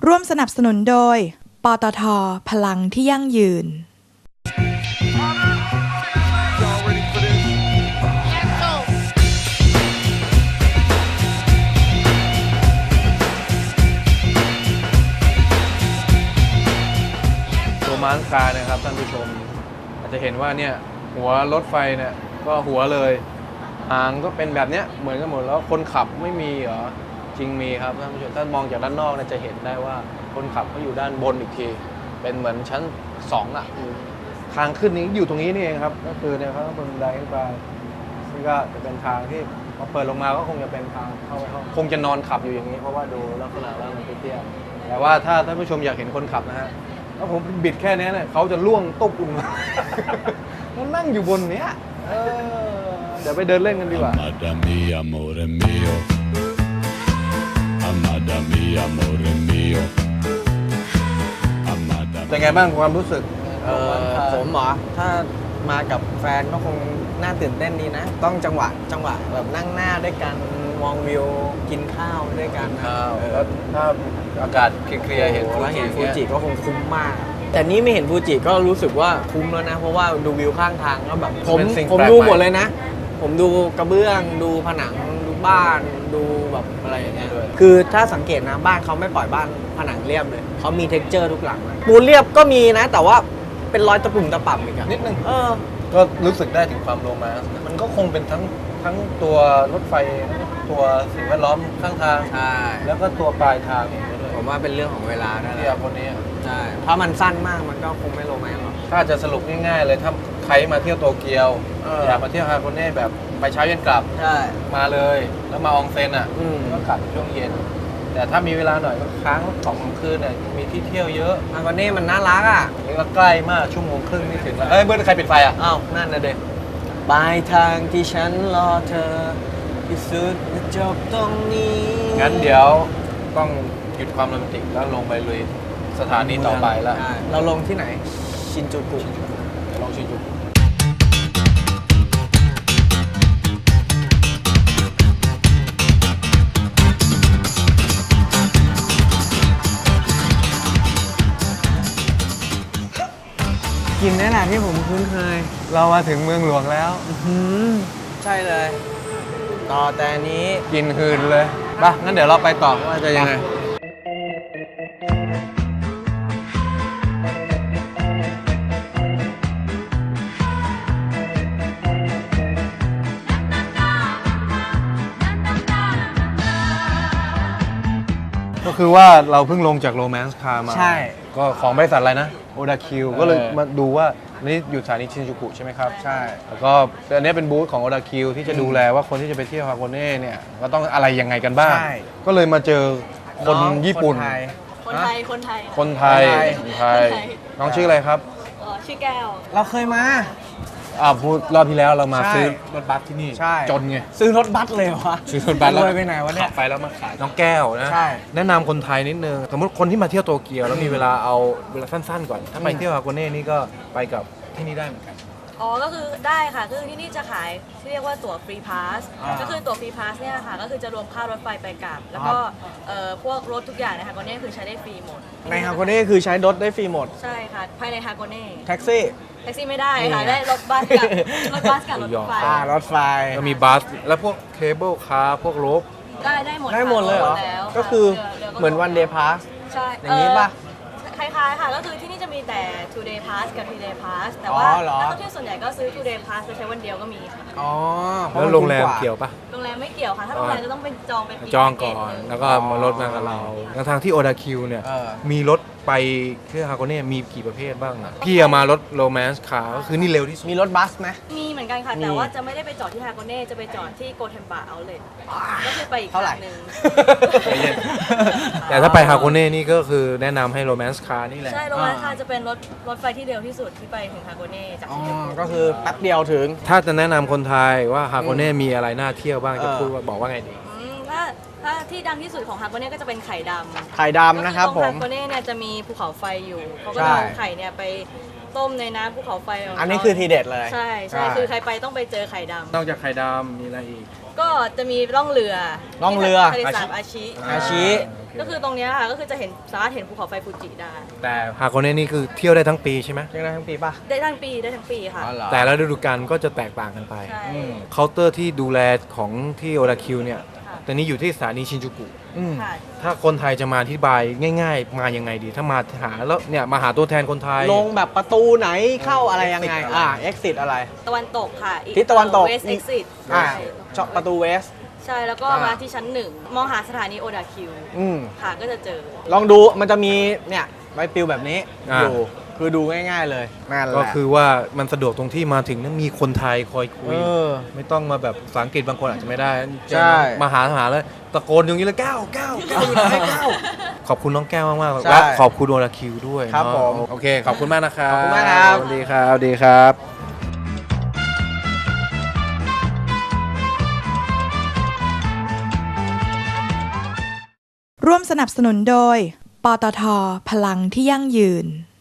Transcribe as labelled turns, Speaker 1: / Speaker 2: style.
Speaker 1: ร่วมสนับสนุนโดย ปตท. พลังที่ยั่งยืน
Speaker 2: โรมานส์คาร์นะครับท่านผู้ชมอาจจะเห็นว่าเนี่ยหัวรถไฟเนี่ยก็หัวเลยหางก็เป็นแบบเนี้ยเหมือนกันหมดแล้วคนขับไม่มีเหรอจริงมีครับท่านผู้ชมถ้ามองจากด้านนอกเนี่ยจะเห็นได้ว่าคนขับเขาอยู่ด้านบนอีกทีเป็นเหมือนชั้น2อ่ะทางขึ้นนี้อยู่ตรงนี้นี่เองครับก็คือเนี่ยเขาบนบันไดขึ้นไปซึ่งก็จะเป็นทางที่พอเปิดลงมาก็คงจะเป็นทางเข้าไปห้องคงจะนอนขับอยู่อย่างนี้เพราะว่าดูลักษณะแล้วมันเตี้ยๆแต่ว่าถ้าท่านผู้ชมอยากเห็นคนขับนะฮะถ้าผมบิดแค่นี้เนี่ยเขาจะล่วงตุ๊บลงมา มันนั่งอยู่บนเนี้ยเดี๋ยวไปเดินเล่นกันดีกว่า
Speaker 3: Amada mia, amore mio. Amada mia, amore mio. Amada
Speaker 2: เป็นไงบ้างความรู้สึก
Speaker 4: ผมเหรอถ้ามากับแฟนก็คงน่าตื่นเต้นดีนะ ต้องจังหวะแบบนั่งหน้าด้วยกันมองวิวกินข้าวด้วยกันนะ
Speaker 2: แล้วถ้าอากาศเคลียร์ๆเห็น
Speaker 4: แล้วเห็นฟูจิก็คงคุ้มมาก แต่นี้ไม่เห็นฟูจิก็รู้สึกว่าคุ้มแล้วนะ เพราะว่าดูวิวข้างทางก็แบบผมดูหมดเลยนะ ผมดูกระเบื้องดูผนังดูบ้านดูแบบอะไรอย่างเงี้ยคือถ้าสังเกตนะบ้านเขาไม่ปล่อยบ้านผนังเรียบเลยเขามีเท็กเจอร์ทุกหลังนะปูนเรียบก็มีนะ แต่ว่าเป็นรอยตะปุ่มตะป่ำอีกอะ
Speaker 2: นิดนึง
Speaker 4: อ
Speaker 2: ก็รู้สึกได้ถึงความโรแมนต์มันก็คงเป็นทั้งตัวรถไฟตัวสิ่งแวดล้อมข้างทาง
Speaker 4: ใช่
Speaker 2: แล้วก็ตัวปลายทางด้วย
Speaker 4: ผมว่าเป็นเรื่องของเวลาได้
Speaker 2: ที่
Speaker 4: แล้
Speaker 2: คนนี้
Speaker 4: ใช่ถ้ามันสั้นมากมันก็คงไม่โรแมนต์หรอก
Speaker 2: ถ้าจะสรุปง่ายๆเลยถ้าใครมาเที่ยวโตเกียว อยากมาเที่ยวฮาโกเน่แบบไปเช้าเย็นกลับ
Speaker 4: ใช่
Speaker 2: มาเลยแล้วมาอองเซ็นอ่ะ ก็กลับช่วงเย็น แต่ถ้ามีเวลาหน่อยก็ค้าง2 คืนเนี่ยมีที่เที่ยวเยอะ
Speaker 4: ฮากาเน่มันน่ารักอ่ะ
Speaker 2: นี่ก็ใกล้มากชั่วโมงครึ่งนี่ถึงแล้วเอ้ยเมื่อใครปิดไฟอ่ะ
Speaker 4: อ้าวนั่นนะเด็กปลายทางที่ฉันรอเธอที่สุดจบตรงนี้
Speaker 2: งั้นเดี๋ยวต้องหยุดความโรแมนติกแล้วลงไปลุยสถานีต่อไปแล้ว
Speaker 4: ใช่เราลงที่ไหนชินจูกุ
Speaker 2: ลองชินจู
Speaker 4: กินนี่แหละที่ผมคุ้นเคย
Speaker 2: เรามาถึงเมืองหลวงแล้ว
Speaker 4: ใช่เลย ต่อแต่นี้
Speaker 2: กินคืนเลยป่ะงั้นเดี๋ยวเราไปต่อว่าจะยังไงก็คือว่าเราเพิ่งลงจากโรแมนส์คาร์มา
Speaker 4: ใช่
Speaker 2: ก็ของบริษัทอะไรนะโอดาคิวก็เลยมาดูว่านี่อยู่สถานีชินจูกุใช่ไหมครับ
Speaker 4: ใช่
Speaker 2: แล้วก็อันนี้เป็นบูธของโอดาคิวที่จะดูแลว่าคนที่จะไปเที่ยวฮาโกเน่เนี่ยก็ต้องอะไรยังไงกันบ้าง
Speaker 4: ใช่
Speaker 2: ก็เลยมาเจอคนญี่ปุ่น
Speaker 4: คนไทย
Speaker 5: คนไทย
Speaker 2: คนไทย
Speaker 4: คนไทย
Speaker 2: คนไทย น้องชื่ออะไรครับ
Speaker 5: ชื่อแก้ว
Speaker 4: เราเคยมา
Speaker 2: พูดรอบที่แล้วเรามา
Speaker 4: ใช่
Speaker 2: ซื้อรถบัสที่นี่
Speaker 4: ใช่
Speaker 2: จนไง
Speaker 4: ซื้อรถบัสเลยวะ
Speaker 2: ซื้อรถบัสแล้ว
Speaker 4: รวยไปไหนวะเนี่ย
Speaker 2: ขับไปแล้วมาขายน้องแก้วนะ
Speaker 4: ใช่
Speaker 2: แนะนำคนไทยนิดนึงสมมติคนที่มาเที่ยวโตเกียวแล้วมีเวลาเอาเวลาสั้นๆก่อน ถ้าไปเที่ยวฮาโกเน่นี่ก็ไปกับที่นี่ได้เหมือนกัน
Speaker 5: อ๋อ ก็คือได้ค่ะ คือที่นี่จะขายที่เรียกว่าตั๋วฟรีพาส ก็คือตั๋วฟรีพาสเนี่ยค่ะ ก็คือจะรวมค่ารถไฟไปกลับ แล้วก็พวกรถทุกอย่างในฮากโกเน่คือใช้ได้ฟรีหมด
Speaker 4: ในฮากาเน่คือใช้รถได้ฟรีหมด
Speaker 5: ใช่ค่ะ ภายในฮากโกเน่
Speaker 4: แท็กซี่
Speaker 5: แท็กซี่ไม่ได้ค่ะ ได้รถบัสกับรถบัสกับรถไฟ
Speaker 4: รถไฟ
Speaker 2: ก็มีบัสแล้วพวกเคเบิลคาร์พวกรถ
Speaker 5: ได้หมด
Speaker 4: ได้หมดเลยเหรอ
Speaker 5: แล้ว
Speaker 4: ก็คือ
Speaker 5: หลื
Speaker 4: เหมือนวันเดย์พาส
Speaker 5: ใช่
Speaker 4: อย่างนี้ป่ะ
Speaker 5: คล้ายๆค่ะ ก็คือที่นี่จะมีแต่ two day pass กับ 3 day pass แต่ว่า
Speaker 4: อ๋อเหรอ
Speaker 5: นักท่องเที่ยวส่วนใหญ่ก็ซื้อ two day pass ไปใช้วันเดียวก็มีค่ะ
Speaker 4: อ๋อเพาะ
Speaker 2: แล้ว
Speaker 4: มัน
Speaker 2: โรงแรม
Speaker 4: ถูา
Speaker 2: เกี่ยวปะ
Speaker 5: โรงแรมไม่เกี่ยวค่ะ ถ้าโรงแรมจะต้องเป็นจองเป็นปี
Speaker 2: จองก่อน
Speaker 5: แพ็เกจหนึ่ง
Speaker 2: แล้วก็มารถมากับเราทางที่โอดาคิวเนี่ย
Speaker 4: เออ
Speaker 2: มีรถไปเที่ยวฮาโกเน่มีกี่ประเภทบ้างอ่ะพี่มารถโรแมนส์คาร์ก็คือนี่เร็วที่สุด
Speaker 4: มีรถบัสไหม
Speaker 5: มีเหมือนกันค่ะ
Speaker 4: มี
Speaker 5: แต่ว่าจะไม่ได้ไปจอดที่ฮาโกเน่ จะไปจอดที่โกเทมบะเอาเลทก็คือไปอีก
Speaker 4: เท่าไหร่
Speaker 5: ทงหนึ่ง
Speaker 2: ใจเย็น แต่ถ้าไปฮาโกเน่นี่ก็คือแนะนำให้โรแมนส์คาร์นี่แหละ
Speaker 5: ใช่ โรงแรมค่ะจะเป็นรถไฟที่เร็วที่สุดที่ไปถึงฮาโกเน่จาก
Speaker 4: อ๋อ
Speaker 5: ชินจูกุ
Speaker 4: ก็คือแป๊บเดียวถึง
Speaker 2: ถ้าจะแนะนำคนไทยว่าฮาโกเน่มีอะไรน่าเที่ยวบ้างจะพูดว่าบอกว่าไงดี
Speaker 5: ถ้าที่ดังที่สุดของฮาโกเน่ก็จะเป็นไข่ดำ
Speaker 4: ไข่ดำนะครับ
Speaker 5: ก็
Speaker 4: ผ
Speaker 5: ตรง
Speaker 4: ม
Speaker 5: ฮาโกเน่เนี่ยจะมีภูเขาไฟอยู่ เขาก็
Speaker 4: ใช่
Speaker 5: จะเอาไข่เนี่ยไปต้มในน้ำภูเขาไฟของเขา
Speaker 4: อันนี้คือทีเด็ดเลย
Speaker 5: ใช่ คือใครไปต้องไปเจอไข่ดำ
Speaker 2: นอกจากไข่ดำมีอะไรอีก
Speaker 5: ก็จะมีล่องเรือ
Speaker 4: ล่องเรือ
Speaker 5: ทะเลสาบอาชิ
Speaker 4: อาชิ
Speaker 5: ก็คือตรงเนี้ยค่ะก็คือจะสามารถเห็นภูเขาไฟฟูจิได้
Speaker 2: แต่ฮาโกเน่นี่คือเที่ยวได้ทั้งปีใช่ไหม
Speaker 4: เที่ยวได้ทั้งปีป่ะ
Speaker 5: ได้ทั้งปีค่ะ
Speaker 4: อ๋อเหรอ
Speaker 2: แต่ละฤดูกาลก็จะแตกต่างกันไป
Speaker 5: ใช่
Speaker 4: อืม
Speaker 2: เคาน์เตอร์ที่ดูแลของที่โอราคิวเนี่ย
Speaker 5: ค่ะ
Speaker 2: ตอนนี้อยู่ที่สถานีชินจูกุ
Speaker 4: อืม
Speaker 5: ค่ะ
Speaker 2: ถ้าคนไทยจะมาอธิบายง่ายๆ มายังไงดี ถ้ามาหาแล้วเนี่ยมาหาตัวแทนคนไทย
Speaker 4: ลงแบบประตูไหนเข้าอะไรยังไง exit อะไร
Speaker 5: ตะวันตกค่ะอีก
Speaker 4: ทิศตะวันตก
Speaker 5: West Exit
Speaker 4: อ่า
Speaker 5: ใช่
Speaker 4: เจาะประตูเวส
Speaker 5: ใช่แล้วก็มาที่ชั้น 1 มองหาสถานีโอดาคิว
Speaker 4: อืม
Speaker 5: ค่ะก็จะเจอ
Speaker 4: ลองดูมันจะมีเนี่ยใบปลิวแบบนี้
Speaker 2: อ่า
Speaker 4: อยู่คือดูง่ายๆเลยนั่นแหละ
Speaker 2: ก็คือว่ามันสะดวกตรงที่มาถึงนั้นมีคนไทยคอยคุย
Speaker 4: เออ
Speaker 2: ไม่ต้องมาแบบภาษาอังกฤษบางคนอาจจะไม่ได้
Speaker 4: ใช่
Speaker 2: มาหาเลยตะโกนอย่างนี้เลยก้าวอยู่ไหนก้าวขอบคุณน้องแก้วมากๆ
Speaker 4: ใช่
Speaker 2: และขอบคุณโอราคิวด้วย
Speaker 4: ครับ
Speaker 2: เนาะ
Speaker 4: ผม
Speaker 2: โอเคขอบคุณมากนะครับ
Speaker 4: ขอบคุณมากครับ
Speaker 2: สวัสดีครับสวัสดีครับ
Speaker 1: ร่วมสนับสนุนโดย ปตท พลังที่ยั่งยืน